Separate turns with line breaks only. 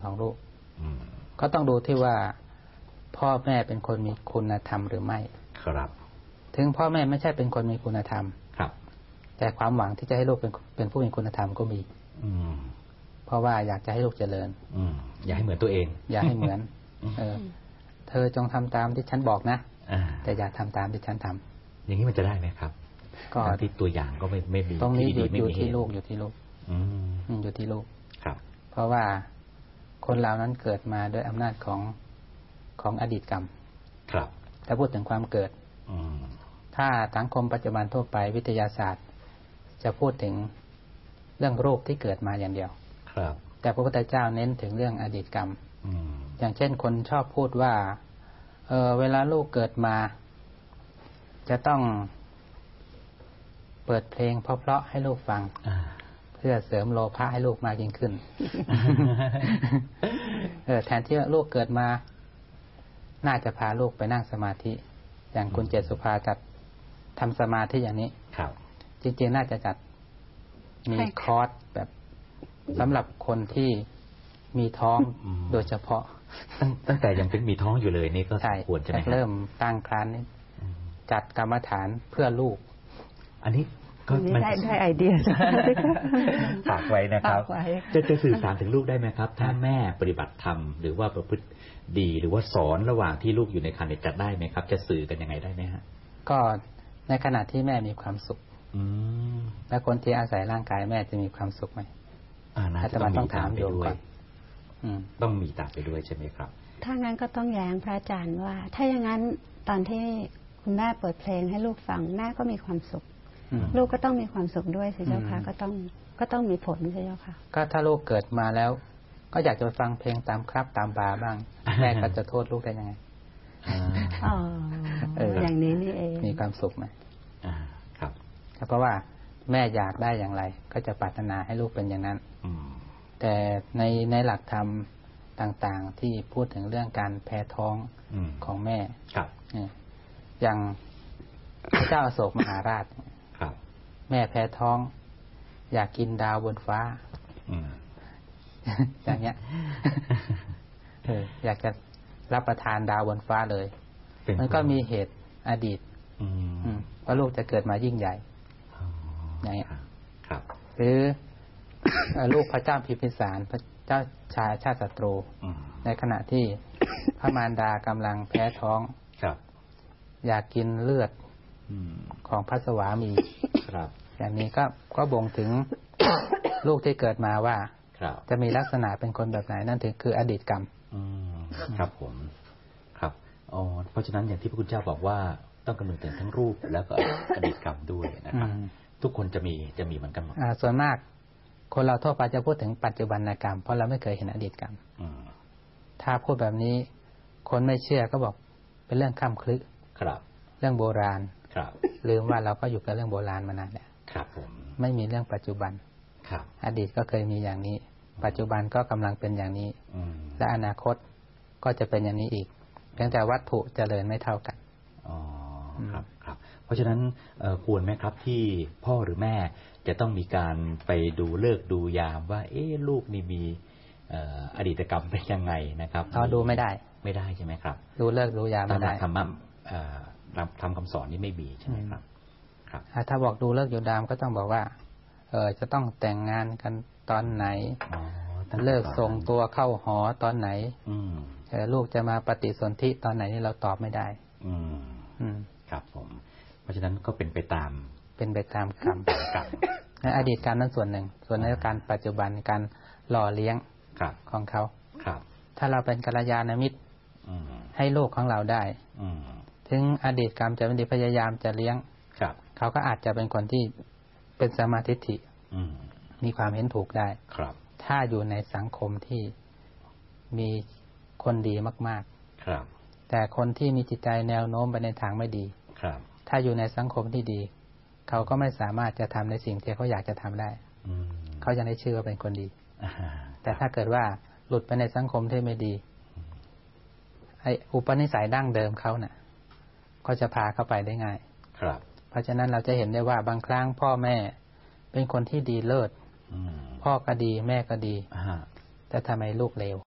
ของลูกก็ต้องดูที่ว่าพ่อแม่เป็นคนมีคุณธรรมหรือไม่
ครับ
ถึงพ่อแม่ไม่ใช่เป็นคนมีคุณธรรม
ครับ
แต่ความหวังที่จะให้ลูกเป็นผู้มีคุณธรรมก็มีเพราะว่าอยากจะให้ลูกเจริญ
อยากให้เหมือนตัวเอง
อยากให้เหมือนเธอจงทำตามที่ฉันบอกนะแต่อย่าทำตามที่ฉันทำ
อย่างนี้มันจะได้ไหมครับก็ที่ตัวอย่างก็ไม่มี
ตรงนี้อยู่ที่ลูกอยู่ที่ลูกอยู่ที่ลูก
ครับ
เพราะว่าคนเรานั้นเกิดมาด้วยอำนาจของอดีตกรรม
ครับ
ถ้าพูดถึงความเกิดถ้าสังคมปัจจุบันทั่วไปวิทยาศาสตร์จะพูดถึงเรื่องรูปที่เกิดมาอย่างเดียว
ครับ
แต่พระพุทธเจ้าเน้นถึงเรื่องอดีตกรรมอย่างเช่นคนชอบพูดว่าเวลาลูกเกิดมาจะต้องเปิดเพลงเพราะๆให้ลูกฟังเพื่อเสริมโลภะให้ลูกมากยิ่งขึ้น แทนที่ลูกเกิดมาน่าจะพาลูกไปนั่งสมาธิอย่างคุณเจษสุภาจัดทำสมาธิอย่างนี้จริงๆน่าจะจัดมีคอร์สแบบสำหรับคนที่มีท้องโดยเฉพาะ
ตั้งแต่ยังเป็นมีท้องอยู่เลยนี่ก็ควรจะ
เริ่มตั้งครรภ์จัดกรรมฐานเพื่อลูก
อันนี้ก็
ได้ไอเดีย
ฝากไว้นะครับจะสื่อสารถึงลูกได้ไหมครับถ้าแม่ปฏิบัติธรรมหรือว่าประพฤติดีหรือว่าสอนระหว่างที่ลูกอยู่ในครรภ์จะได้ไหมครับจะสื่อกันยังไงได้ไหมฮะ
ก็ในขณะที่แม่มีความสุขแล้วคนที่อาศัยร่างกายแม่จะมีความสุขไหม
อาจจะต้องถามไปด้วยต้องมีตามไปด้วยใช่ไหมครับ
ถ้างั้นก็ต้องแย้งพระอาจารย์ว่าถ้าอย่างนั้นตอนที่คุณแม่เปิดเพลงให้ลูกฟังแม่ก็มีความสุขลูกก็ต้องมีความสุขด้วยสิเจ้าค่ะก็ต้องมีผลใช่เจ้าค่ะ
ก็ถ้าลูกเกิดมาแล้วก็อยากจะฟังเพลงตามครับตามบาร์บ้างแม่ก็จะโทษลูกได้ยังไง
อย่างนี้นี่เอง
มีความสุขไหม
ครับ
เพราะว่าแม่อยากได้อย่างไรก็จะปรารถนาให้ลูกเป็นอย่างนั้นแต่ในหลักธรรมต่างๆที่พูดถึงเรื่องการแพ้ท้องของแม่อย่างพระเจ้าอโศกมหาราชแม่แพ้ท้องอยากกินดาวบนฟ้าอย่างเงี้ยอยากจะรับประทานดาวบนฟ้าเลยมันก็มีเหตุอดีตว่าลูกจะเกิดมายิ่งใหญ่อย่างเงี้ยหรือลูกพระเจ้าพิมพิสารพระเจ้าชายชาติศัตรูในขณะที่พระมารดากำลังแพ้ท้องอยากกินเลือดของพระสวามีอย่างนี้ก็บ่งถึงลูกที่เกิดมาว่าจะมีลักษณะเป็นคนแบบไหนนั่นถึงคืออดีตกรรม
ครับผมครับเพราะฉะนั้นอย่างที่พระคุณเจ้าบอกว่าต้องคำนึงถึงทั้งรูปแล้วก็อดีตกรรมด้วยนะครับทุกคนจะมีเหมือนกันหมด
ส่วนมากคนเราทั่วไปจะพูดถึงปัจจุบันกรรมเพราะเราไม่เคยเห็นอดีตกรรมถ้าพูดแบบนี้คนไม่เชื่อก็บอกเป็นเรื่องข้ามคลึเรื่องโบราณลืมว่าเราก็อยู่กับเรื่องโบราณมานานแล้วไม่มีเรื่องปัจจุบันอดีตก็เคยมีอย่างนี้ปัจจุบันก็กำลังเป็นอย่างนี้และอนาคตก็จะเป็นอย่างนี้อีกเพียงแต่วัตถุเจริญไม่เท่ากัน
ครับเพราะฉะนั้นควรไหมครับที่พ่อหรือแม่จะต้องมีการไปดูฤกษ์ดูยามว่าลูกนี่มีอดีตกรรมเป็นยังไงนะครับ
ดูไม่ได้
ใช่ไหมครับ
ดูฤกษ์ดูยามไม่ได้
ธรรมะทำคำสอนนี้ไม่มีใช่ไหมครับ
ถ้าบอกดูฤกษ์ดูยามก็ต้องบอกว่าจะต้องแต่งงานกันตอนไหนเลิกส่งตัวเข้าหอตอนไหนลูกจะมาปฏิสนธิตอนไหนนี่เราตอบไม่ได้
ครับผมเพราะฉะนั้นก็เป็นไปตาม
กรรมในอดีตกรรมนั้นส่วนหนึ่งส่วนในการปัจจุบันการหล่อเลี้ยงของเขาถ้าเราเป็นกัลยาณมิตรให้ลูกของเราได้ถึงอดีตกรรมจะไม่ดีพยายามจะเลี้ยงเขาก็อาจจะเป็นคนที่เป็นสัมมาทิฏฐิมีความเห็นถูกได้ถ้าอยู่ในสังคมที่มีคนดีมากๆแต่คนที่มีจิตใจแนวโน้มไปในทางไม่ดีถ้าอยู่ในสังคมที่ดีเขาก็ไม่สามารถจะทำในสิ่งที่เขาอยากจะทำได้เขาจะได้ชื่อว่าเป็นคนดีแต่ถ้าเกิดว่าหลุดไปในสังคมที่ไม่ดีไอ้อุปนิสัยดั้งเดิมเขาน่ะก็จะพาเข้าไปได้ง่ายเพราะฉะนั้นเราจะเห็นได้ว่าบางครั้งพ่อแม่เป็นคนที่ดีเลิศพ่อก็ดีแม่ก็ดีแต่ทำไมลูกเลว